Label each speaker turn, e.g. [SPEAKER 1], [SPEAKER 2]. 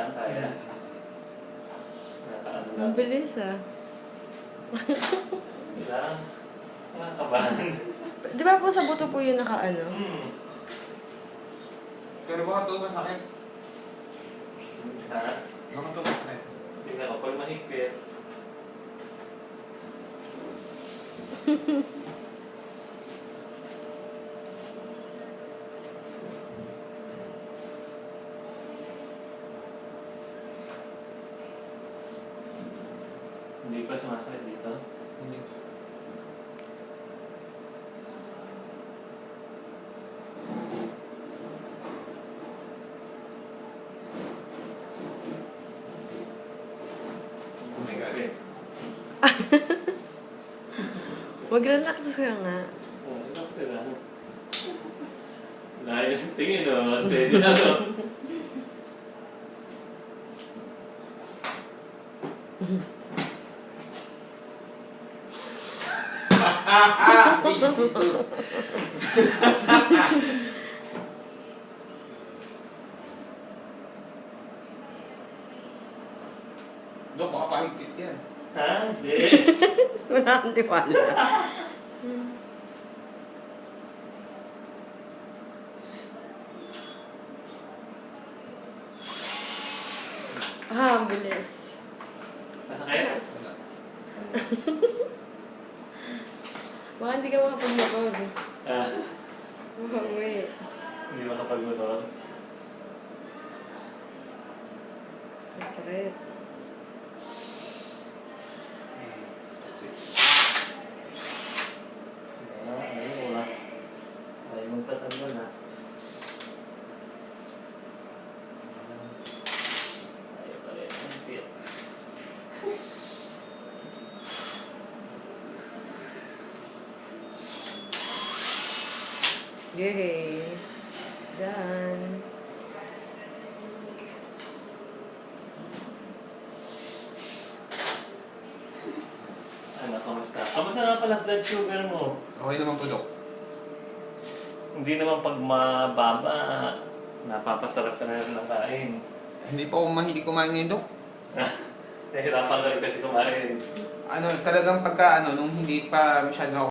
[SPEAKER 1] lang, kaya. Nakaano lang.
[SPEAKER 2] Ang bilis ah.
[SPEAKER 1] Lang. Nakakabahan.
[SPEAKER 2] Di ba po sa buto po yun nakaano?
[SPEAKER 3] Pero baka ito masakit.
[SPEAKER 1] Ha?
[SPEAKER 3] Baka ito masakit.
[SPEAKER 1] Tingnan ko, pag mahigpit. Hindi pa sumasakit dito.
[SPEAKER 3] Hindi. Oh my God.
[SPEAKER 2] Mag-relax ka nga.
[SPEAKER 1] Oh, relax ka lang. Dahil tingin o, steady na to.
[SPEAKER 3] Jesus. Dok, baka pahigpit yan.
[SPEAKER 1] Ha? Hindi.
[SPEAKER 2] Wala akong tiwala. Ang bilis.
[SPEAKER 1] Masakit?
[SPEAKER 2] Baka hindi ka makapag-motor.
[SPEAKER 1] Ah,
[SPEAKER 2] Wait.
[SPEAKER 1] hindi makapag-motor.
[SPEAKER 2] Ang sakit.
[SPEAKER 1] Ayun wala. Ayaw magpatanggal na. Ayaw pa rin. Ang fit.
[SPEAKER 2] Yay. Done.
[SPEAKER 1] Ano, kamusta? Kamusta nga pala blood sugar mo?
[SPEAKER 3] Okay naman po, Dok.
[SPEAKER 1] Hindi naman pag mababa, napapasarap ka na rin ng kain.
[SPEAKER 3] Hindi pa ako mahilig kumain ngayon, Dok.
[SPEAKER 1] Nahirapan ka rin kasi kumain.
[SPEAKER 3] Ano, talagang pagka, nung hindi pa masyado ako